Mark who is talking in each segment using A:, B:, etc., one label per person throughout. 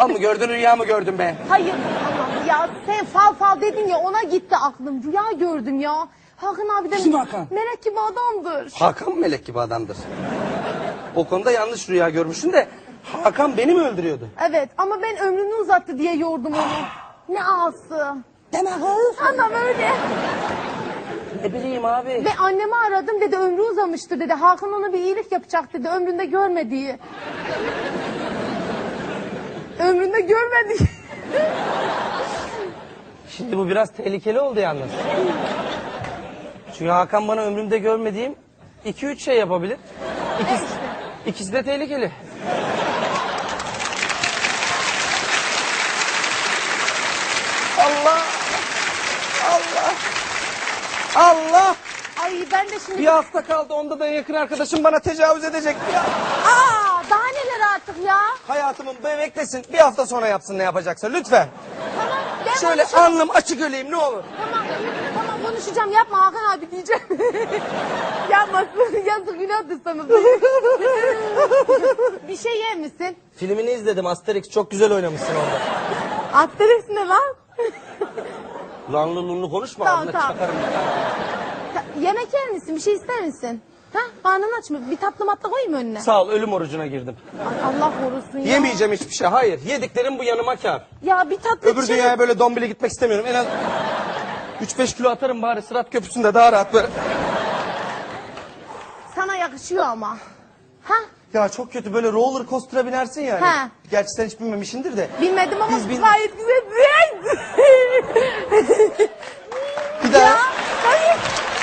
A: mı gördün, rüya mı gördün be?
B: Hayır Allah'ım ya, sen fal dedin ya, ona gitti aklım. Rüya gördüm ya. Hakan abi de
A: Kim Hakan?
B: melek gibi adamdır.
A: Hakan melek gibi adamdır. O konuda yanlış rüya görmüşsün de Hakan beni mi öldürüyordu?
B: Evet ama ben ömrünü uzattı diye yordum onu. Ne ağası.
A: Deme kız.
B: Adam öyle.
A: Ne bileyim abi.
B: Ve annemi aradım, dedi ömrü uzamıştır dedi. Hakan ona bir iyilik yapacak dedi, ömründe görmediği. Ömründe görmediği.
A: Şimdi bu biraz tehlikeli oldu yalnız. Çünkü Hakan bana ömrümde görmediğim 2-3 şey yapabilir. İkisi de tehlikeli. Allah! Allah! Allah!
B: Ay ben de şimdi...
A: Bir hafta kaldı, onda da yakın arkadaşım bana tecavüz edecek ya.
B: Aa, daha neler artık ya.
A: Hayatımın beklesin, bir hafta sonra yapsın ne yapacaksa lütfen.
B: Tamam ben
A: Şöyle
B: konuşacağım.
A: alnım açık öleyim ne olur.
B: Tamam konuşacağım, yapma Hakan abi diyeceğim. Yapmasın, yazık günahtır sana. Bir şey yer misin?
A: Filmini izledim, Asterix, çok güzel oynamışsın orada.
B: Asterix ne lan?
A: Lanlı lunlu konuşma,
B: Tamam,
A: ağzına
B: tamam.
A: çakarım.
B: Yemek yer misin? Bir şey ister misin? Ha? Karnın aç mı? Bir tatlı matla koyayım önüne.
A: Sağ ol, ölüm orucuna girdim.
B: Ay, Allah korusun ya.
A: Yemeyeceğim hiçbir şey, hayır. Yediklerim bu yanıma kâr.
B: Ya bir tatlı
A: Öbür dünyaya böyle dombili gitmek istemiyorum. En az 3-5 kilo atarım bari Sırat Köprüsü'nde daha rahat böyle.
B: Sana yakışıyor ama. Ha?
A: Ya çok kötü, böyle roller coaster'a binersin yani.
B: He.
A: Gerçi sen hiç binmemişsindir de.
B: Bilmedim ama
A: Biz
B: gayet güzel.
A: Bir daha.
B: Ya, hayır.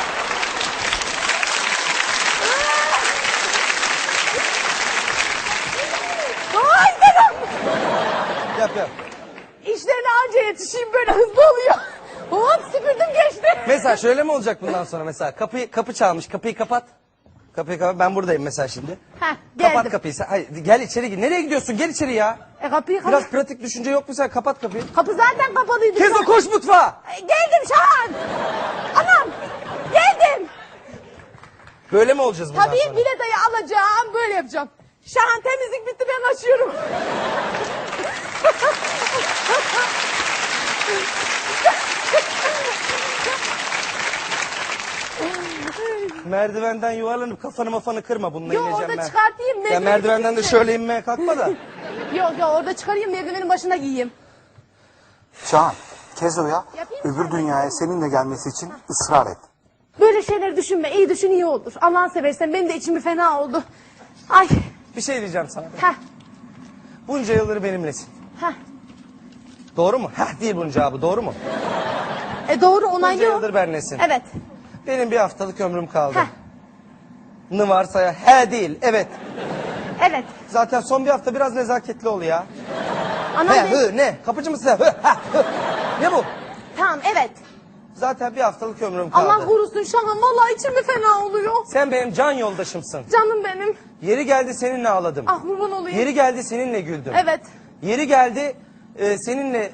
B: Ay dedim.
A: Yap.
B: İşlerine anca yetişeyim, böyle hızlı oluyor. Hop süpürdüm geçti.
A: Mesela şöyle mi olacak bundan sonra mesela? Kapı çalmış, kapıyı kapat. Kapıyı kapat, ben buradayım mesela şimdi.
B: Heh, geldim.
A: Kapat kapıyı sen. Hayır, gel içeri gir. Nereye gidiyorsun? Gel içeri ya.
B: Kapıyı kapat.
A: Biraz pratik düşünce yok mu sen? Kapat kapıyı.
B: Kapı zaten kapalıydı.
A: Kezo koş mutfağa.
B: Geldim Şahan. Anam. Geldim.
A: Böyle mi olacağız bundan
B: Tabii
A: sonra?
B: biletayı alacağım, böyle yapacağım. Şahan temizlik bitti, ben açıyorum.
A: Merdivenden yuvarlanıp kafanı kırma, bununla
B: Yo,
A: ineceğim
B: orada
A: ben.
B: çıkartayım.
A: Ya
B: merdiveni
A: merdivenden de şöyle inmeye kalkma da.
B: Yok orada çıkarayım, merdivenin başına giyeyim.
C: Şahan, Kezo'ya
B: Yapayım mı?
C: öbür dünyaya seninle gelmesi için ısrar et.
B: Böyle şeyleri düşünme, iyi düşün, iyi olur. Allah'ını seversen, benim de içim bir fena oldu. Ay.
A: Bir şey diyeceğim sana.
B: Heh.
A: Bunca yıldır benimlesin.
B: Heh.
A: Doğru mu? Heh değil bunun cevabı, doğru mu?
B: Doğru,
A: Bunca
B: onaylı o.
A: yıldır benimlesin.
B: Evet.
A: Benim bir haftalık ömrüm kaldı.
B: Heh.
A: Ne varsa ya. He değil, evet.
B: Evet.
A: Zaten son bir hafta biraz nezaketli ol ya.
B: Anam
A: He,
B: ben...
A: hı, ne? Kapıcı mısın? Hı, ha, hı. Ne bu?
B: Tamam, evet.
A: Zaten bir haftalık ömrüm kaldı.
B: Allah korusun Şahan, vallahi içim bir fena oluyor.
A: Sen benim can yoldaşımsın.
B: Canım benim.
A: Yeri geldi seninle ağladım.
B: Ah kurban olayım.
A: Yeri geldi seninle güldüm.
B: Evet.
A: Yeri geldi seninle...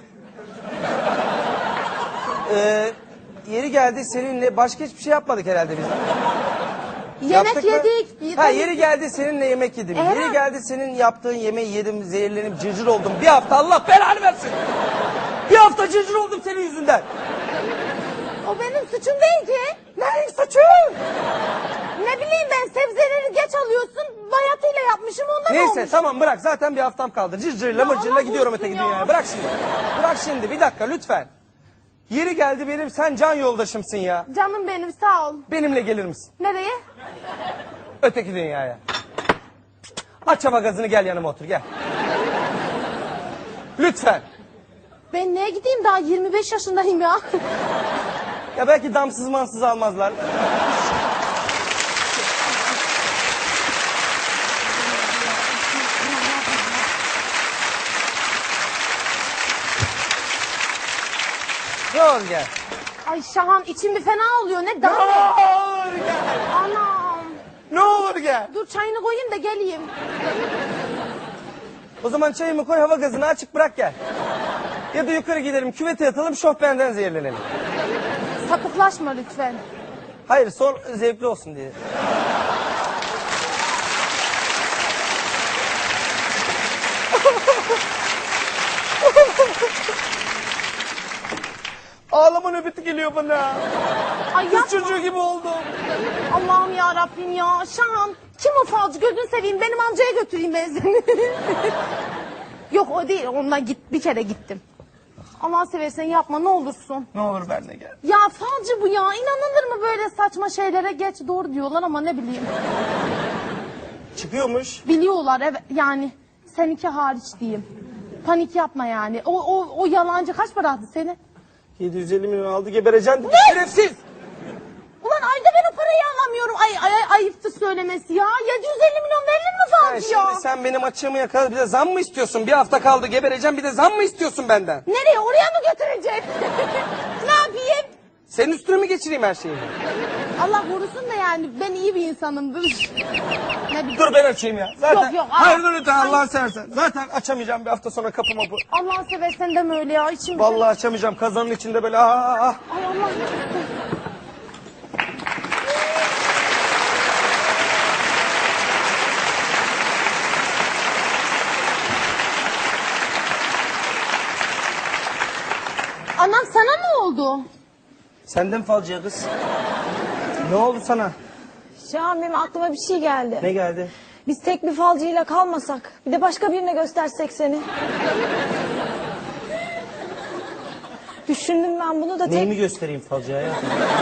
A: yeri geldi seninle başka hiçbir şey yapmadık herhalde biz.
B: Yemek
A: Yaptık mı?
B: yedik.
A: Ha, yeri geldi seninle yemek yedim.
B: Evet.
A: Yeri geldi senin yaptığın yemeği yedim, zehirlenip cırcır oldum. Bir hafta Allah belanı versin. Bir hafta cırcır oldum senin yüzünden.
B: O benim suçum değil ki.
A: Neyin suçu?
B: Ne bileyim ben, sebzeleri geç alıyorsun, bayatıyla yapmışım, ondan
A: Neyse
B: olmuş.
A: tamam bırak, zaten bir haftam kaldı. Cırcırla
B: Ya
A: mırcırla
B: Allah
A: gidiyorum
B: korusun
A: öteki
B: ya.
A: dünyaya. Bırak şimdi. Bırak şimdi, bir dakika lütfen. Yeri geldi benim, sen can yoldaşımsın ya.
B: Canım benim, sağ ol.
A: Benimle gelir misin?
B: Nereye?
A: Öteki dünyaya. Aç hava gazını, gel yanıma otur, gel. Lütfen.
B: Ben neye gideyim, daha 25 yaşındayım ya.
A: Ya belki damsız mansız almazlar. Ne olur gel.
B: Ay Şahan, içim bir fena oluyor, ne
A: Ne
B: daha?
A: olur gel.
B: Anam.
A: Ne olur gel.
B: Dur çayını koyayım da geleyim.
A: O zaman çayımı koy, hava gazını açık bırak gel. Ya da yukarı gidelim, küvete yatalım, şofbenden zehirlenelim.
B: Sapıklaşma lütfen.
A: Hayır, son zevkli olsun diye. ağlama nöbeti geliyor bana.
B: Ay
A: Kız
B: yapma.
A: çocuğu gibi oldum.
B: Allah'ım ya Rabbim ya. Şahan kim o falcı gözünü seveyim benim amcaya götüreyim ben seni. Yok o değil ondan bir kere gittim. Allah seversen yapma ne olursun.
A: Ne olur benimle gel.
B: Ya falcı bu ya inanılır mı böyle saçma şeylere geç doğru diyorlar ama ne bileyim.
A: Çıkıyormuş.
B: Biliyorlar evet yani seninki hariç diyeyim. Panik yapma yani. O yalancı kaç para attı seni?
A: 750 milyon aldı gebereceksin dedi. Şerefsiz.
B: Ulan ayda ben o parayı alamıyorum. Ayıptı söylemesi ya. 750 milyon verilir mi
A: Ha,
B: falcı ya?
A: şimdi sen benim açığımı yakaladın. Bir de zam mı istiyorsun? Bir hafta kaldı gebereceğim. Bir de zam mı istiyorsun benden?
B: Nereye oraya mı götüreceksin? Ne yapayım?
A: Senin üstüne mi geçireyim her şeyi?
B: Allah korusun da yani ben iyi bir insanımdır. Ne bileyim.
A: Dur ben açayım ya. Zaten,
B: Yok, yok,
A: hayır
B: aa.
A: dur lütfen Allah'ını seversen. Zaten açamayacağım bir hafta sonra kapı mapı.
B: Allah'ını seversen deme öyle ya. İçim
A: Vallahi açamayacağım. Kazanın içinde böyle ah.
B: Ay Allah. Anam sana ne oldu?
A: Senden falcıya kız. Ne oldu sana?
D: Şahan benim aklıma bir şey geldi.
A: Ne geldi?
D: Biz tek bir falcıyla kalmasak, bir de başka birine göstersek seni. Düşündüm ben bunu da tek...
A: Neyimi göstereyim falcıya ya?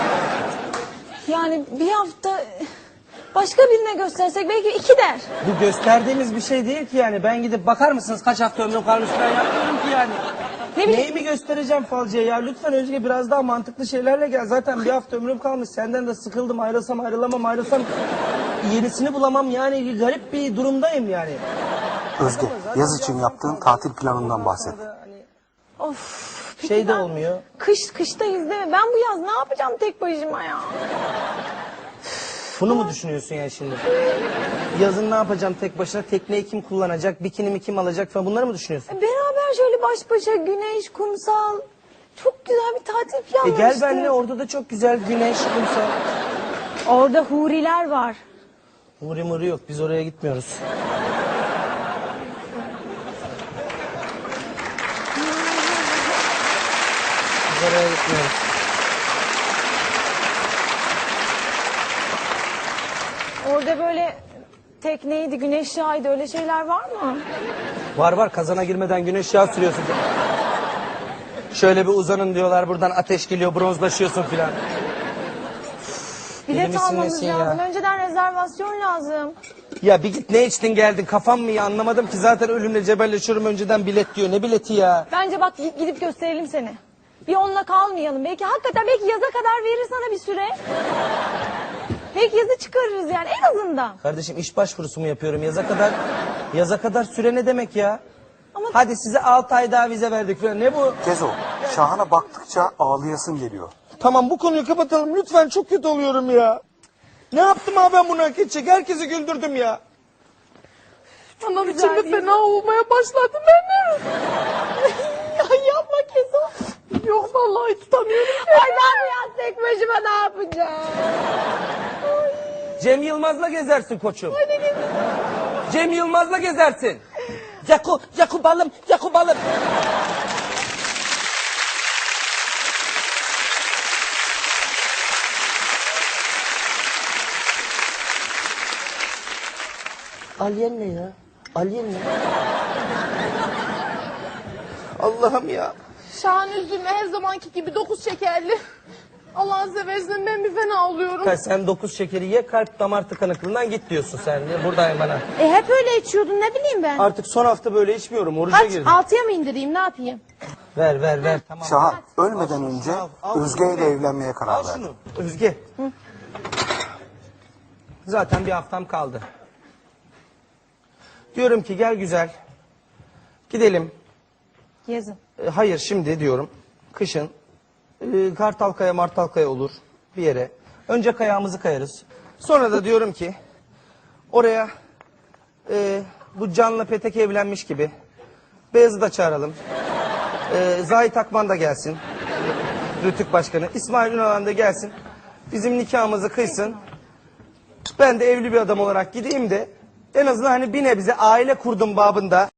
D: Yani bir hafta başka birine göstersek belki 2 der.
A: Bu gösterdiğimiz bir şey değil ki yani. Ben gidip bakar mısınız kaç hafta ömrüm kalmış ben yapmıyorum ki yani.
D: Ne bileyim.
A: Neyimi göstereceğim falcıya ya? Lütfen Özge biraz daha mantıklı şeylerle gel. Zaten bir hafta ömrüm kalmış. Senden de sıkıldım. Ayrılsam ayrılamam. Yenisini bulamam yani. Garip bir durumdayım yani.
C: Özge, yaz için yaptığın tatil planından bahset.
D: Of.
A: Şey de olmuyor.
D: Kıştayız değil mi? Ben bu yaz ne yapacağım tek başıma ya?
A: Bunu mu düşünüyorsun ya şimdi? Yazın ne yapacağım tek başına? Tekneyi kim kullanacak? Bikinimi kim alacak falan bunları mı düşünüyorsun?
D: Beraber şöyle baş başa güneş, kumsal... Çok güzel bir tatil planlamıştık.
A: Gel benimle orada da çok güzel güneş, kumsal.
D: Orada huriler var.
A: Huri muri yok. Biz oraya gitmiyoruz. Biz oraya gitmiyoruz.
D: Orada böyle tekneydi, güneş yağıydı öyle şeyler var mı?
A: Var kazana girmeden güneş yağı sürüyorsun. Şöyle bir uzanın diyorlar buradan ateş geliyor bronzlaşıyorsun filan. Deli
D: Bilet
A: misin
D: almamız
A: nesin ya?
D: lazım. Önceden rezervasyon lazım.
A: Ya bir git ne içtin geldin kafam mı ya anlamadım ki zaten ölümle cebelleşiyorum önceden bilet diyor ne bileti ya.
D: Bence bak gidip gösterelim seni. Bir onunla kalmayalım. Belki hakikaten yaza kadar verir sana bir süre. Belki yazı çıkarırız yani en azından.
A: Kardeşim iş başvurusu mu yapıyorum yaza kadar süre ne demek ya?
D: Ama-
A: Hadi size 6 ay daha vize verdik falan ne bu?
C: Kezo, Şahan'a baktıkça ağlayasın geliyor.
A: Tamam bu konuyu kapatalım lütfen çok kötü oluyorum ya. Ne yaptım abi ben bunu hak edecek herkesi güldürdüm ya.
B: Anam içimde fena olmaya başladı benim.
D: Ya yapma Kezo.
B: Yok vallahi tutamıyorum.
D: Ay ben bu yaz tek başıma ne yapacağım?
A: Cem Yılmaz'la gezersin koçum. Cem Yılmaz'la gezersin. Yaku balım. Alien ne ya? Alien ne? Allah'ım ya.
B: Şahan üzülme her zamanki gibi 9 şekerli. Allah'ını seversen ben bir fena oluyorum.
A: Sen 9 şekeri ye kalp damar tıkanıklığından git diyorsun sen diye buradayım bana.
B: Hep öyle içiyordun ne bileyim ben.
A: Artık son hafta böyle içmiyorum oruca
B: Kaç?
A: girdim.
B: 6'ya mı indireyim ne yapayım?
A: Ver tamam.
C: Şahan, ölmeden önce
A: al
C: Özge ile evlenmeye karar
A: Al
C: verdi.
A: şunu. Özge. Zaten bir haftam kaldı. Diyorum ki gel güzel. Gidelim.
D: Yazın.
A: Hayır şimdi diyorum. Kışın. Kartalkaya Martalkaya olur. Bir yere. Önce kayağımızı kayarız. Sonra da diyorum ki oraya bu Can'la Petek evlenmiş gibi Beyaz'ı da çağıralım. Zahit Akman da gelsin. Rütük Başkanı. İsmail Ünalan da gelsin. Bizim nikahımızı kıysın. Ben de evli bir adam olarak gideyim de en azından hani bir nebze aile kurdum babında